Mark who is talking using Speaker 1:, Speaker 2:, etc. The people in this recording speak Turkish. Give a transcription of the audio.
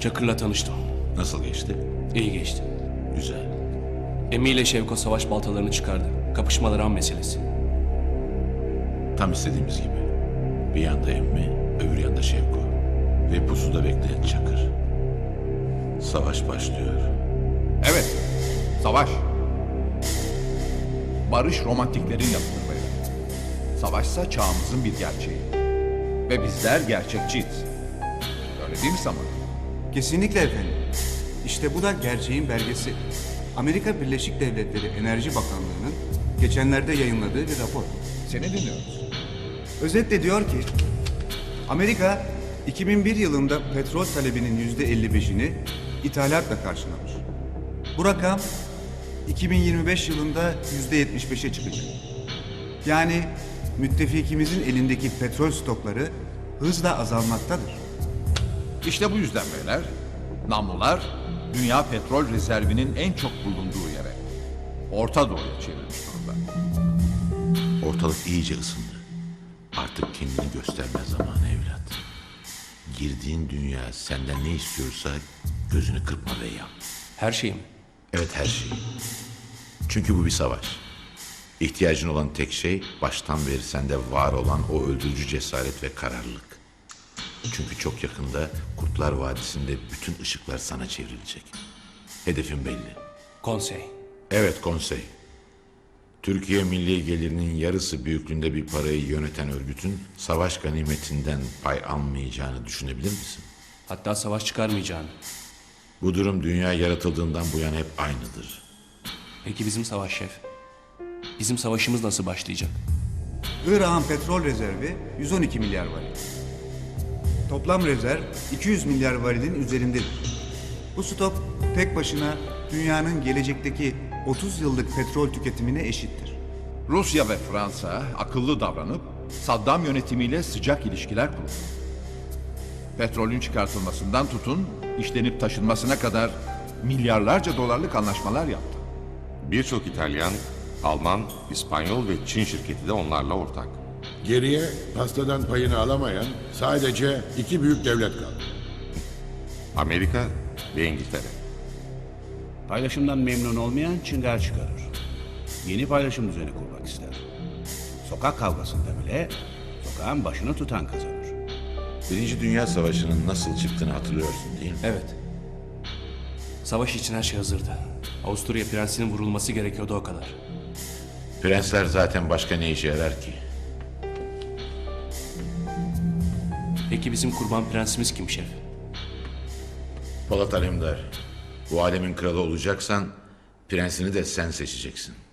Speaker 1: Çakır'la tanıştım.
Speaker 2: Nasıl geçti?
Speaker 1: İyi geçti.
Speaker 2: Güzel.
Speaker 1: Emi ile Şevko savaş baltalarını çıkardı. Kapışmalar an meselesi.
Speaker 2: Tam istediğimiz gibi. Bir yanda Emmi, öbür yanda Şevko. Ve pusuda bekleyen Çakır. Savaş başlıyor.
Speaker 3: Evet, savaş. Barış romantiklerin yapılır beyler. Savaşsa çağımızın bir gerçeği. Ve bizler gerçekçiyiz. Öyle değil mi Saman?
Speaker 4: Kesinlikle efendim. İşte bu da gerçeğin belgesi. Amerika Birleşik Devletleri Enerji Bakanlığı'nın geçenlerde yayınladığı bir rapor.
Speaker 3: Seni dinliyoruz.
Speaker 4: Özetle diyor ki, Amerika 2001 yılında petrol talebinin %55'ini ithalatla karşılamış. Bu rakam 2025 yılında %75'e çıkacak. Yani müttefikimizin elindeki petrol stokları hızla azalmaktadır.
Speaker 3: İşte bu yüzden beyler, namlular dünya petrol rezervinin en çok bulunduğu yere, Orta Doğu'ya çevrilmiş durumda.
Speaker 2: Ortalık iyice ısındı. Artık kendini gösterme zamanı evlat. Girdiğin dünya senden ne istiyorsa gözünü kırpma ve yap.
Speaker 1: Her şeyim.
Speaker 2: Evet, her şeyi. Çünkü bu bir savaş. İhtiyacın olan tek şey baştan beri sende var olan o öldürücü cesaret ve kararlılık. Çünkü çok yakında Kurtlar Vadisi'nde bütün ışıklar sana çevrilecek. Hedefin belli.
Speaker 1: Konsey.
Speaker 2: Evet, konsey. Türkiye milli gelirinin yarısı büyüklüğünde bir parayı yöneten örgütün savaş ganimetinden pay almayacağını düşünebilir misin?
Speaker 1: Hatta savaş çıkarmayacağını.
Speaker 2: Bu durum dünya yaratıldığından bu yana hep aynıdır.
Speaker 1: Peki bizim savaş şef? Bizim savaşımız nasıl başlayacak?
Speaker 4: Irak'ın petrol rezervi 112 milyar varil. Toplam rezerv 200 milyar varilin üzerindedir. Bu stok tek başına dünyanın gelecekteki 30 yıllık petrol tüketimine eşittir.
Speaker 3: Rusya ve Fransa akıllı davranıp Saddam yönetimiyle sıcak ilişkiler kurdu. Petrolün çıkartılmasından tutun, işlenip taşınmasına kadar milyarlarca dolarlık anlaşmalar yaptı.
Speaker 5: Birçok İtalyan, Alman, İspanyol ve Çin şirketi de onlarla ortak.
Speaker 6: Geriye pastadan payını alamayan sadece iki büyük devlet kaldı.
Speaker 5: Amerika ve İngiltere.
Speaker 7: Paylaşımdan memnun olmayan çıngar çıkarır. Yeni paylaşım düzeni kurmak ister. Sokak kavgasında bile sokağın başını tutan kazanır.
Speaker 2: Birinci Dünya Savaşı'nın nasıl çıktığını hatırlıyorsun değil mi?
Speaker 1: Evet. Savaş için her şey hazırdı. Avusturya prensinin vurulması gerekiyordu, o kadar.
Speaker 2: Prensler zaten başka ne işe yarar ki?
Speaker 1: Peki bizim kurban prensimiz kim şef?
Speaker 2: Polat Alemdar, bu alemin kralı olacaksan prensini de sen seçeceksin.